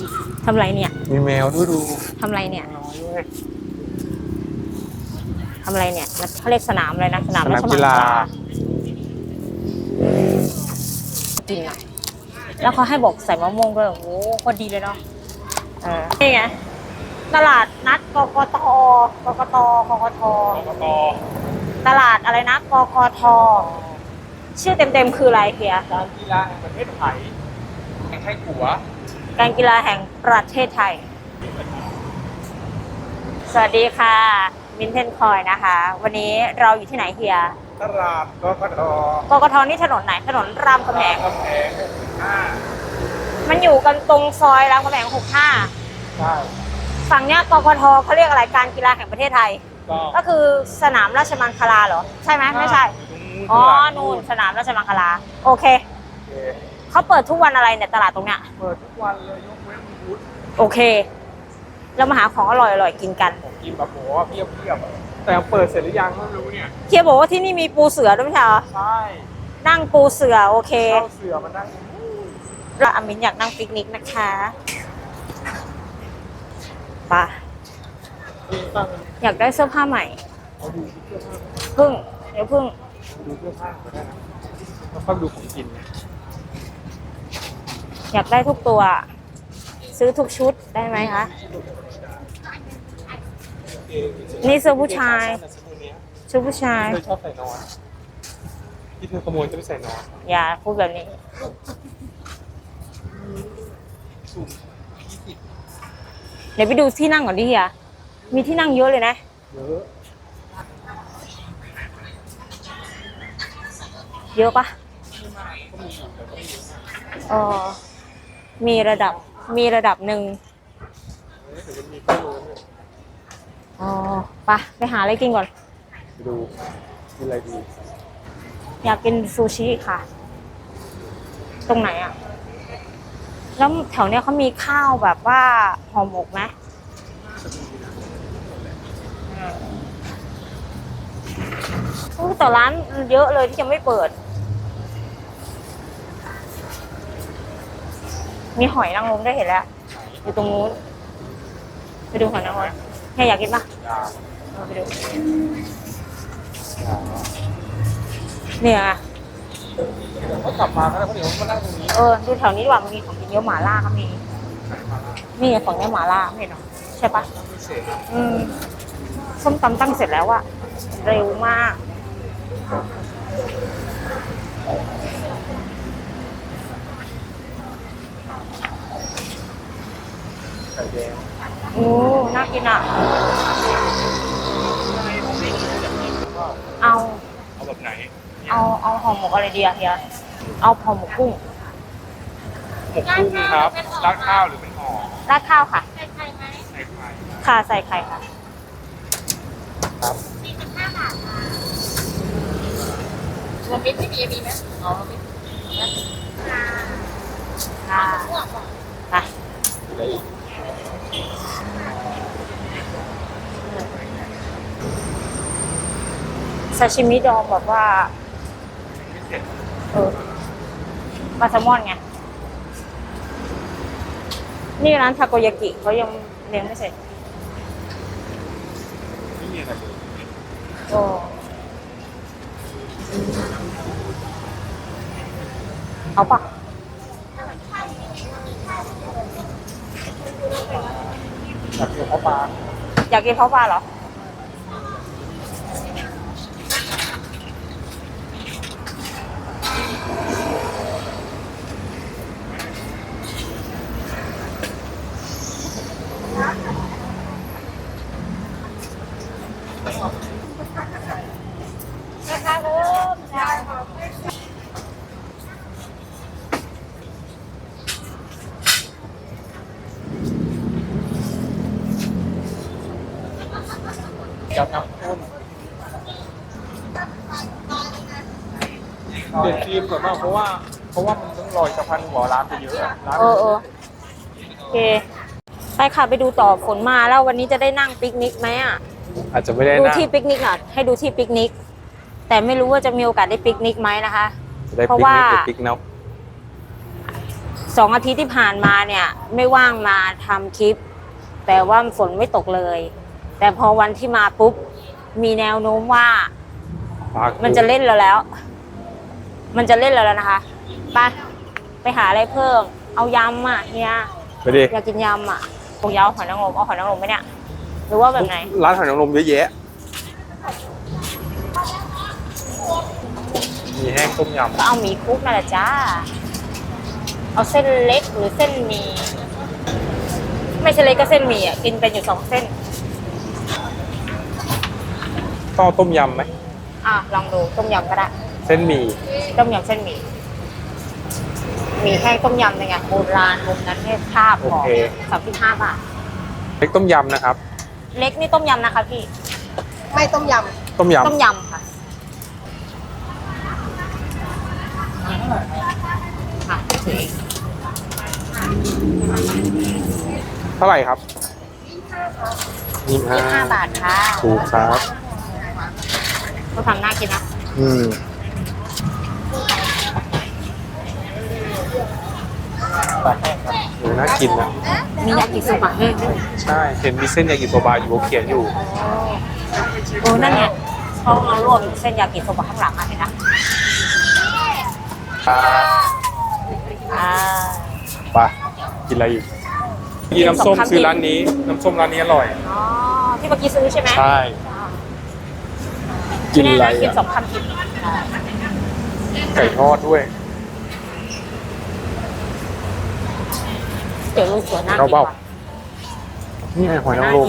ทำไรเนี่ยมีแมวด้วยดูทำไรเนี่ยน้อยด้วยทำไรเนี่ยเขาเรียกสนามอะไรนะสนามราชมังคกีฬาลากินอ่ะแล้วเขาให้บอกใส่มะม่วงด้วยโอ้โหพอดีเลยเนาะนี่ไงตลาดนัดกกตกกตกกทตลาดอะไรนะกกทชื่อเต็มๆคืออะไรเฮียการกีฬาแห่งประเทศไทยแข่งไทยขัวการกีฬาแห่งประเทศไทยสวัสดีค่ะมินเทนคอยนะคะ วันนี้เราอยู่ที่ไหนเฮียตลาดกกตกกทนี่ถนนไหนถนนรามคำแหง 65 มันอยู่กันตรงซอยรามคำแหง65 ใช่ฝั่งเนี้ยกกทเขาเรียกอะไรการกีฬาแห่งประเทศไทยก็คือสนามราชมังคลาเหรอใช่ไหมไม่ใช่อ๋อนู่นสนามราชมังคลาโอเคเขาเปิดทุกวันอะไรเนี่ยตลาดตรงเนี้ยเปิดทุกวันเลยยกเว้นพุธโอเคเรามาหาของอร่อยๆกินกันกินแบบโหเพียบแต่เปิดเสร็จหรือยังไม่รู้เนี่ยเคียบอกว่าที่นี่มีปูเสือด้วยไม่ใช่เหรอใช่นั่งปูเสือโอเคเข้าเสือมานั่งแล้วอามินอยากนั่งปิกนิกนะคะป่ะอยากได้เสื้อผ้าใหม่พึ่งเดี๋ยวพึ่งดูเสื้อผ้าก็ได้นะแล้วก็ดูของกินอยากได้ทุกตัวซื้อทุกชุดได้ไหมคะนี่เสื้อผู้ชายชุดผู้ชายเธอชอบใส่นอนที่เธอขโมยจะไปใส่นอนอย่าพูดแบบนี้เดี๋ยวไปดูที่นั่งก่อนดิเฮียมีที่นั่งเยอะเลยนะเยอะปะมีระดับหนึ่งไปหาอะไรกินก่อนไปดูกินอะไรดีอยากกินซูชิค่ะตรงไหนอ่ะแล้วแถวเนี้ยเขามีข้าวแบบว่าห่อหมกไหมแต่ร้านเยอะเลยที่ยังไม่เปิดมีหอยนางรมได้เห็นแล้วอยู่ตรงนู้นไปดูหอยนางรมแค่อยากกินปะไปดูเนี่ยเขากลับมาแล้วเขาเดี๋ยวมานั่งตรงนี้ดูแถวนี้ดีกว่ามันมีของกินเยอะหม่าล่าก็มีนี่ของนี้หม่าล่าไม่เห็นหรอใช่ปะส้มตำตั้งเสร็จแล้วอะเร็วมากไข่แดงน่ากินอ่ะเอาแบบไหนเอาห่อหมกอะไรดีอะเฮียเอาห่อหมกกุ้งหมกกุ้งครับราดข้าวหรือเป็นห่อราดข้าวค่ะใส่ไข่ไหมใส่ไข่ค่ะใส่ไข่ค่ะครับ 45 บาทค่ะรวมมิตรไม่มีไหมอ๋อรวมมิตรค่ะไปซาชิมิดองแบบว่าปลาแซลมอนไงนี่ร้านทาโกยากิเขายังเลี้ยงไม่เสร็จไม่มีอะไรเลยเอาปะอยากกินข้าวปลาอยากกินข้าวปลาเหรอกับน้ำข้นเด็ดทีมส่วนมากเพราะว่ามันต้องลอยสะพานหัวร้านไปเยอะร้านโอเคไปค่ะไปดูต่อฝนมาแล้ววันนี้จะได้นั่งปิกนิกไหมอ่ะอาจจะไม่ได้ดูที่ปิกนิกอ่ะให้ดูที่ปิกนิกแต่ไม่รู้ว่าจะมีโอกาสได้ปิกนิกไหมนะคะเพราะว่าปิกนก 2 อาทิตย์ที่ผ่านมาเนี่ยไม่ว่างมาทำคลิป แต่ว่าฝนไม่ตกเลย แต่พอวันที่มาปุ๊บมีแนวโน้มว่ามันจะเล่นเราแล้ว มันจะเล่นเราแล้วนะคะไปหาอะไรเพิ่มเอายำอ่ะเฮียไปดิอยากกินยำอ่ะพวกยำหอยนางรมเอาหอยนางรมไหมเนี่ยหรือว่าแบบไหนร้านหอยนางรมเยอะแยะ มีแห้งต้มยก็เอาหมี่คลุกนั่นแหละจ้าเอาเส้นเล็กหรือเส้นหมี่ไม่ใช่เล็กก็เส้นหมี่อ่ะกินเป็นอยู่2 เส้นำต้องเอาต้มยำไหมลองดูต้มยำก็ได้เส้นหมี่ต้มยำเส้นหมี่หมี่แห้งต้มยำเป็นไงโบราณมุมนั้นเนี่ยภาพของ35 บาทเล็กต้มยำนะครับเล็กนี่ต้มยำนะคะพี่ไม่ต้มยต้มยำต้มยำค่ะค่ะเท่าไหร่ครับ 25 บาทค่ะถูกครับเขาทำน่ากินนะน่ากินนะมียากิโซบะแห้งด้วยใช่ เห็นมีเส้นยากิโซบะอยู่เขาเขียนอยู่นั่นไงเขาเอารวมเส้นยากิโซบะข้างหลังมาเห็นนะอ่าไปกินอะไรอีกกินน้ำส้มซื้อร้านนี้ น้ำส้มร้านนี้อร่อยอ๋อที่เมื่อกี้ซื้อใช่ไหมใช่ กินอะไรกินอ่ะ 2 คำกินไก่ทอดด้วยเดี๋ยวลูกสวนน่ากินเอาเปล่าว่ะนี่ไงหอยนางรม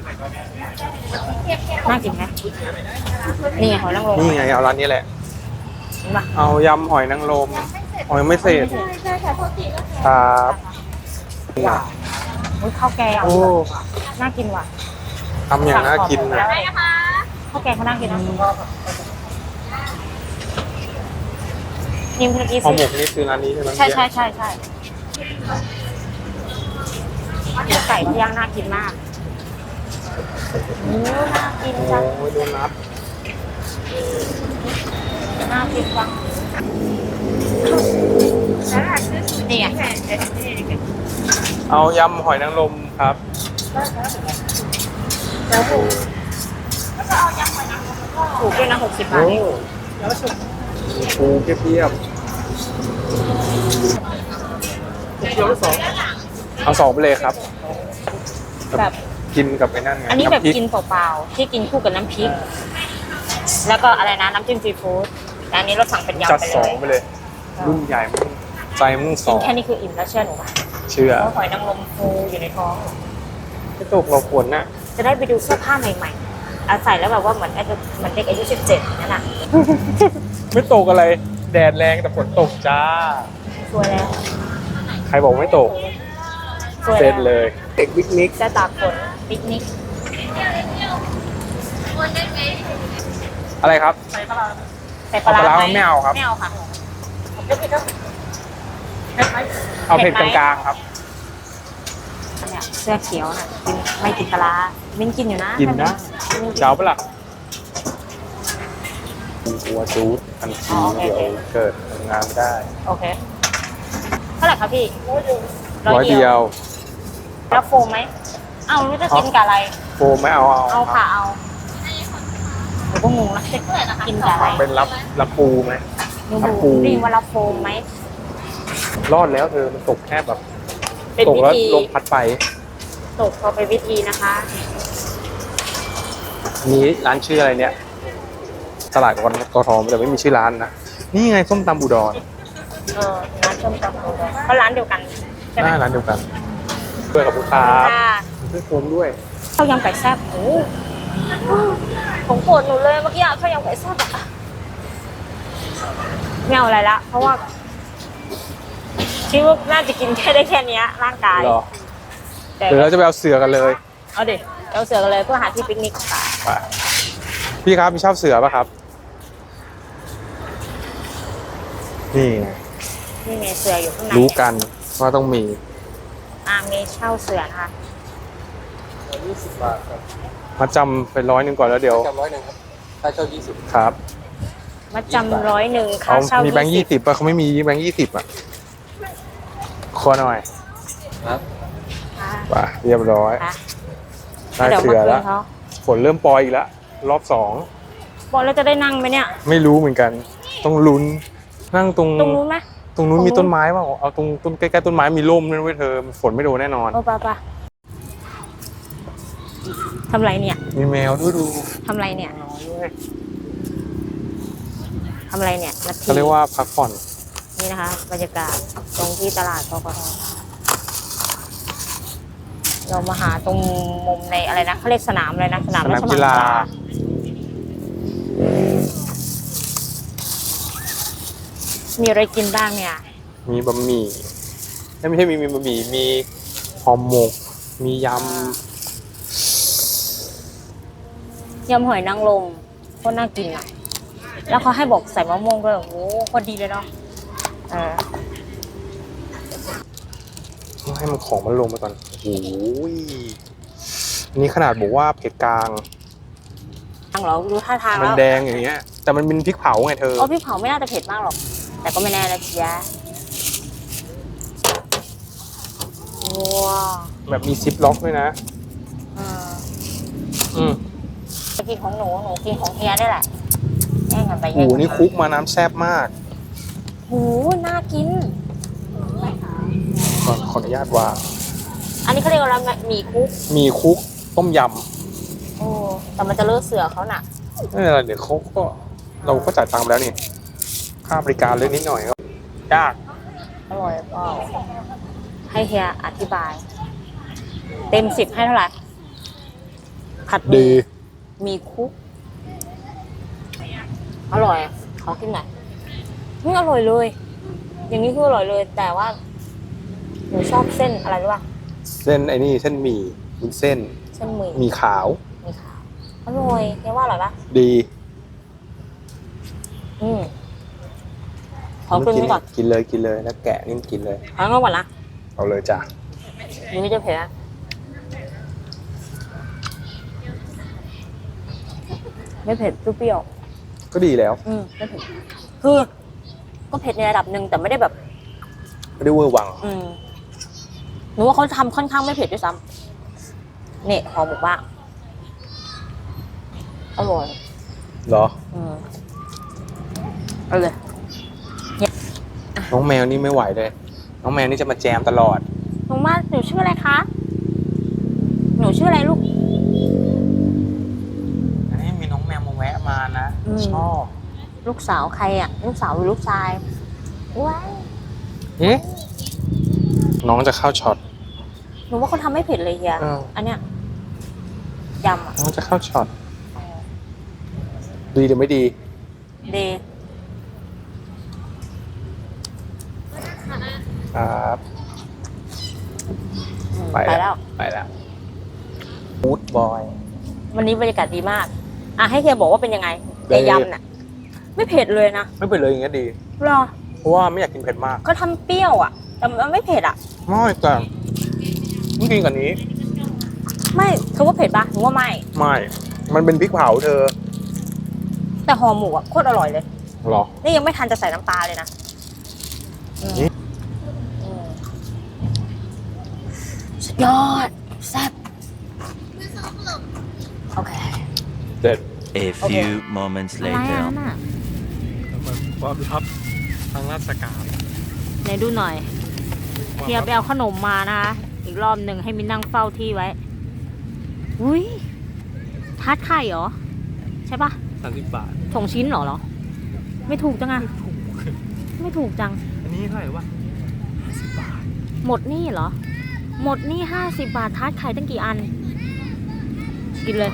น่ากินไหมนี่ไงหอยนางรมนี่ไงเอาร้านนี้แหละเห็นปะเอายำหอยนางรมหอยไม่เสร็จำใช่ค่ะโทษทีนะครับอุ๊ยข้าวแกงโอ้น่ากินว่ะทำอย่างน่ากินนะได้นะคะข้าวแกงเขาน่ากินนะนี่เมื่อกี้ห่อซื้หมกนี่ซื้อร้านนี้ใช่ไหมใช่ไก่ย่างน่ากินมากน่ากินโอ้จังยโดนัทน่ากินจังนี่ไงเอายำหอยนางรมครับถูกด้วยนะ60 บาทโอ้เองปูเพียบเอา2ไปเลยครับแบบกินกับไอ้นั่นไงอันนี้แบบำพริกินเปล่าๆที่กินคู่กับน้ำพริก แล้วก็อะไรนะน้ำจิ้มซีฟู้ดแต่อันนี้เราสั่งเป็นจัดยำไปเล 2 ยไปเลย รุ่นใหญ่มึงใจมึงสกิอน งแค่นี้คืออิ่มแล้วเชื่อหนูป่ะเชื่อเพราะหอยนางรมฟูอยู่ในท้องไม่ตกเราควรนะจะได้ไปดูเสื้อผ้าใหม่ๆใส่แล้วแบบว่าเหมือนเด็กอายุ17นั่นน่ะไม่ตกอะไร แดดแรงแต่ฝนตกจ้าสวยแล้วใครบอกไม่ตกสวยเสร็จแล้วเลย เด็กวิกนิกจะตากฝนปิกนิกอะไรครับใส่ปลาร้าเอาปลาร้าไหมไม่เอาครับไม่เอาค่ะเอาเผ็ดกลางๆครับเนี่ยเสื้อเขียวน่ะกินไม่กินปลาร้ามิ้นกินอยู่นะกินนะมิ้นกินเจ้าปะล่ะหัวจูดทันทีเดี๋ยวเกิดทำงานไม่ได้โอเคเท่าไหร่คะพี่ร้อยเดียวแล้วโฟมไหมเอารู้จะกินกับอะไรโฟมไม่เอาเอาค่ะเอาหนูก็งงนะจะกินกับอะไรเป็นรับปูไหมหนูรับปูได้ยินว่ารับโฟมไหมรอดแล้วเธอมันตกแค่แบบเป็นตกวิแล้วธีลมพัดไปตกพอเป็นวิธีนะคะอันนี้ร้านชื่ออะไรเนี่ยตลาดกทแต่ไม่มีชื่อร้านนะนี่ไงส้มตำอุดรร้านส้มตำก็ร้านเดียวกันใช่ไหมหน้าร้านเดียวกันเพื่อนกับลูกค้าค่ะเพื่อนโฟมด้วยข้าวยำไก่แซ่บโอ้ผมโกรธหนูเลยเมื่อกี้อะข้าวยำไก่แซ่บอะไม่เอาอะไรละ เพราะว่าคิดว่าน่าจะกินแค่ได้แค่เนี้ยร่างกายเหรอแต่เดี๋ยวเราจะไปเอาเสือกันเลยเอาดิเราเสือกันเลยเพื่อหาที่ปิกนิกค่ะไปพี่ครับมีชอบเสือป่ะครับ นี่ไงนี่ไงเสืออยู่ข้างในรู้กันว่าต้องมีมีเช่าเสือนะคะ 20 บาทครับมาจำไป100ก่อนแล้วเดี๋ยวจำ100ครับค่าเช่า20 ครับมาจำ100ค่าเขาเช่ามีแบงค์20ป่ะเขาไม่มีแบงค์20อ่ะคอหน่อยครับไปเรียบร้อยอ่ะได้เดี๋ยวเสืมาอคืแล้วนเขาฝนเริ่มปรอยอีกแล้วรอบสองบอกแล้วจะได้นั่งไหมเนี่ยไม่รู้เหมือนกัน ต้องลุ้นนั่งตรงตรงนู้นไหมตรงนู้นตรงนู้นมีต้นไม้เปล่าเอาตรงต้นใกล้ๆต้นไม้มีร่มนั่นไว้ยเธอฝนไม่โดนแน่นอนโอ้ปะทำไรเนี่ยมีแมวด้วยดูทำไรเนี่ยทำไรเนี่ยนาทีเขาเรียกว่าพักผ่อนนี่นะคะ บรรยากาศตรงที่ตลาดกกทเรามาหาตรงมุมในอะไรนะเขาเรียกสนามอะไรนะสนามราชมังคลามีอะไรกินบ้างเนี่ยมีบะหมี่ไม่ใช่มีบะหมี่มีห่อหมกมียยำหอยนางรมโคตรน่ากินอ่ะ แล้วเขาให้บอกใส่มะม่วงด้วยโอ้โหโคตรดีเลยเนาะำให้มันของมันลงมาก่อนโอ้ยอันนี้ขนาดบอกว่าเผ็ดกลางทางเหรอดูท่าทางมันแล้วแดงอย่างเงี้ย แต่มันเป็นพริกเผาไงเธออ๋อพี่เผาไม่น่าจะเผ็ดมากหรอก แต่ก็ไม่แน่นะจ๊ะว้าวแบบมีซิปล็อกด้วยนะ อืมไปกินของหนูกินของเฮียได้แหละแย่งกันไปโอ้แย่งโหกันนี่คลุกมาน้ำแซ่บมากโหน่ากินก่อนขออนุญาตวางอันนี้เขาเรียกว่าอะไรหมี่คุกมีคลุกต้มยโอ้แต่มันจะเลอะเสือเขาหนักำนี่อะไรเดี๋ยวเขาก็เราก็จ่ายตังค์ไปแล้วนี่ ค่าบริการเล็กนิดหน่อยก็ยากอร่อยเปล่าให้เฮียอธิบาย เต็ม10ให้เท่าไหร่ผัดหดีมีคุก อร่อย ขอกินหน่อยอร่อยเลย อย่างนี้คืออร่อยเลย แต่ว่าหนูชอบเส้นอะไรรู้ป่ะเส้นไอ้นี่เส้นหมี่วุ้นเส้นเส้นหมี่หมีขาวมีขาวอร่อยเฮียว่าอร่อยปะดีขอกินไปก่อนกินเลยกินเลยแล้วแกะนี่กินเลยขอกินก่อนนะเอาเลยจ้ะนี่ไม่จะเผ็ดนะไม่เผ็ดเปรี้ยวก็ดีแล้วไม่เผ็ดคือก็เผ็ดในระดับหนึ่งแต่ไม่ได้แบบไม่ได้เวอร์วังหนูว่าเขาทำค่อนข้างไม่เผ็ดด้วยซ้ำเนี่ยห่อหมกบ้างอร่อยเหรอเอาเลยน้องแมวนี่ไม่ไหวเลย น้องแมวนี่จะมาแจมตลอดหนูชื่ออะไรคะ หนูชื่ออะไรลูกอันนี้มีน้องแมวมาแวะมานะ ชอบลูกสาวใครอ่ะ ลูกสาวหรือลูกชายว้ายเอ๊ะน้องจะเข้าช็อตหนูว่าเขาทำไม่เผ็ดเลยเฮีย อันเนี้ยยำอ่ะน้องจะเข้าช็อต ดีหรือไม่ดีเดครับไปแล้วไปแล้วมูดบอยวันนี้บรรยากาศดีมาก ให้เฮียบอกว่าเป็นยังไงดีในยำน่ะ ไม่เผ็ดเลยนะไม่เป็นเลยอย่างเงี้ยดีหรอเพราะว่าไม่อยากกินเผ็ดมากก็ทำเปรี้ยวอ่ะ แต่มันไม่เผ็ดอ่ะไม่แต่ต้องกินกว่านี้ไม่เธอว่าเผ็ดปะหนูว่าไม่ไม่ มันเป็นพริกเผาเธอแต่ห่อหมูอ่ะโคตรอร่อยเลยหรอนี่ยังไม่ทันจะใส่น้ำปลาเลยนะนี่สุดยอดแซ่บโอเคเด็ด A few moments อะไร later. น่ะความลับทางราชการไหนดูหน่อยเฮียไปเอาขนมมานะคะอีกรอบหนึ่งให้มินนั่งเฝ้าที่ไว้ อุ้ยทาร์ตไข่เหรอ ใช่ปะ 30 บาทสองชิ้นเหรอ ไม่ถูกจังอะไม่ถูกจังอันนี้เท่าไหร่วะหมดนี่เหรอ หมดนี่50 บาททาร์ตไข่ตั้งกี่อัน กินเลย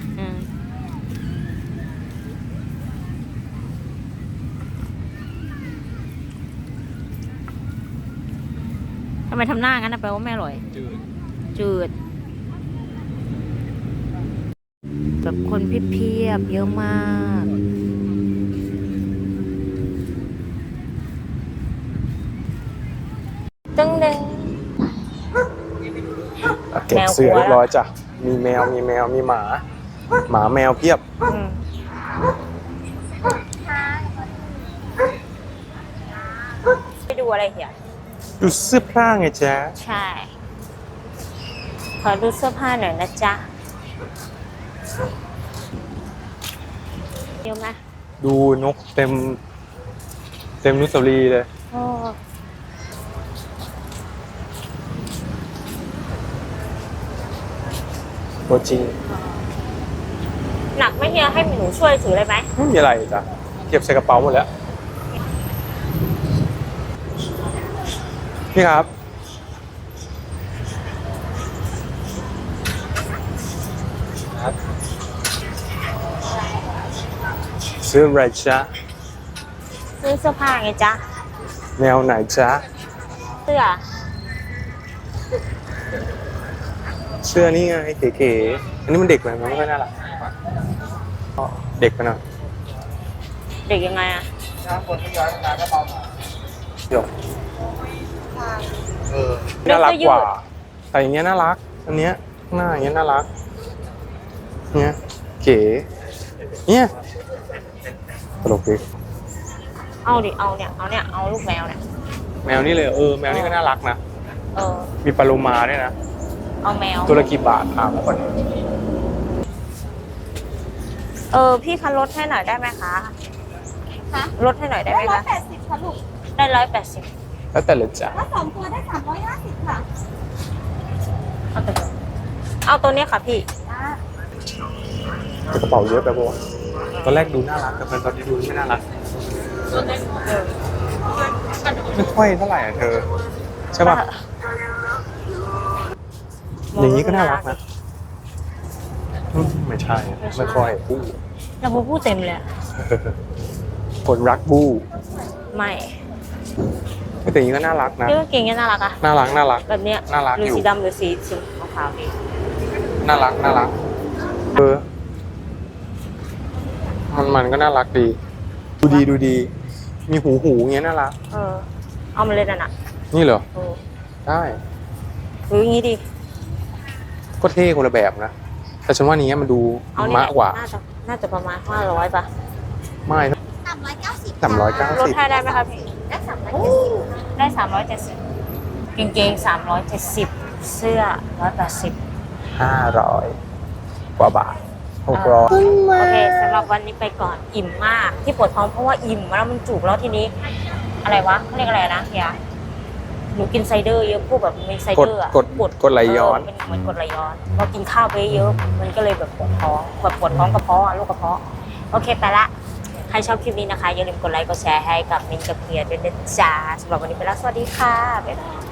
ทำไมทำหน้างั้นนะแปลว่าไม่อร่อย จืดแบบคนเพียบๆเยอะมากตึ้งดึงเก็บเสือเรียบร้อยจ้ะ มีแมว มีหมา หมาแมวเพียบไปดูอะไรเหี่ยดูเสื้อผ้าไงจ๊ะใช่ ขอดูเสื้อผ้าหน่อยนะจ๊ะเดี๋ยวไหมดูนกเต็มอนุสาวรีย์เลยโอ้ตัวจริงหนักไหม่เฮียให้หนูช่วยถือเลยไหมไม่มีอะไรจ้ะเก็บใส่กระเป๋าหมดแล้ว นี่ครับ ซื้ออะไรจ๊ะซื้อเสื้อผ้าไงจ๊ะแนวไหนจ๊ะเสื้อเสื้อนี่ไงเก๋ๆอันนี้มันเด็กไปมันไม่ค่อยน่ารักเด็กไปหน่อยเด็กยังไงอะเดี๋ยวน่ารักกว่าแต่อย่างเงี้ยน่ารัก อันเนี้ยข้างหน้าอย่างเงี้ยน่ารัก เนี้ยเก๋เนี่ยตลกดิเอาดิ เอาเนี่ย เอาลูกแมวเนี่ยแมวนี่เลยแมวนี่ก็น่ารักนะเออมีปลาโลมาด้วยนะเอาแมวตัวละกี่บาทถามก่อนพี่คะลดให้หน่อยได้ไหมคะคะลดให้หน่อยได้ไหมคะ 180ค่ะลูกได้180 แล้วแต่เลยจ้ะถ้า2ตัวได้350ค่ะเอาตัวนี้ค่ะพี่แต่กระเป๋าเยอะไปปะวะตอนแรกดูน่ารักแต่ตอนนี้ดูไม่น่ารักไม่ค่อยเท่าไหร่อ่ะเธอ ใช่ป่ะ อย่างนี้ก็น่ารักนะไม่ใช่ ไม่ค่อยบู้แล้วพูดเต็มเลยอะคนรักบู้ไม่แต่อย่างนี้ก็น่ารักนะพี่กางเกงเนี่ยน่ารักอะน่ารักแบบเนี้ยน่ารักหรืออยู่สีดำหรือสีขาวๆดีน่ารักมันก็น่ารักดี ดูดี มีหูเงี้ยน่ารักเอามาเลยน่ะนี่เหรอเออได้หรืออย่างงี้ดีก็เท่คนละแบบนะ แต่ฉันว่านี้มันดูเอาเนี่ยมากกว่าน่าจะประมาณ500ป่ะไม่ 390 ลดให้ 390 ได้ไหมคะพี่ได้370 ได้370กางเกง370เสื้อ180 500 กว่าบาท600 โอเคสำหรับวันนี้ไปก่อนอิ่มมากที่ปวดท้องเพราะว่าอิ่มแล้วมันจุกแล้วทีนี้ อะไรวะเขาเรียกอะไรนะเฮียหนูกินไซเดอร์เยอะพวกแบบมีไซเดอร์อะกดไหลย้อนเป็นเหมือนกดไหลย้อนพอกินข้าวไปเยอะมันก็เลยแบบปวดท้องแบบปวดท้องกระเพาะอะโรคกระเพาะโอเคไปละใครชอบคลิปนี้นะคะอย่าลืมกดไลค์กดแชร์ให้กับมินกับเฮียด้วยนะจ๊ะสำหรับวันนี้ไปแล้วสวัสดีค่ะบ๊ายบาย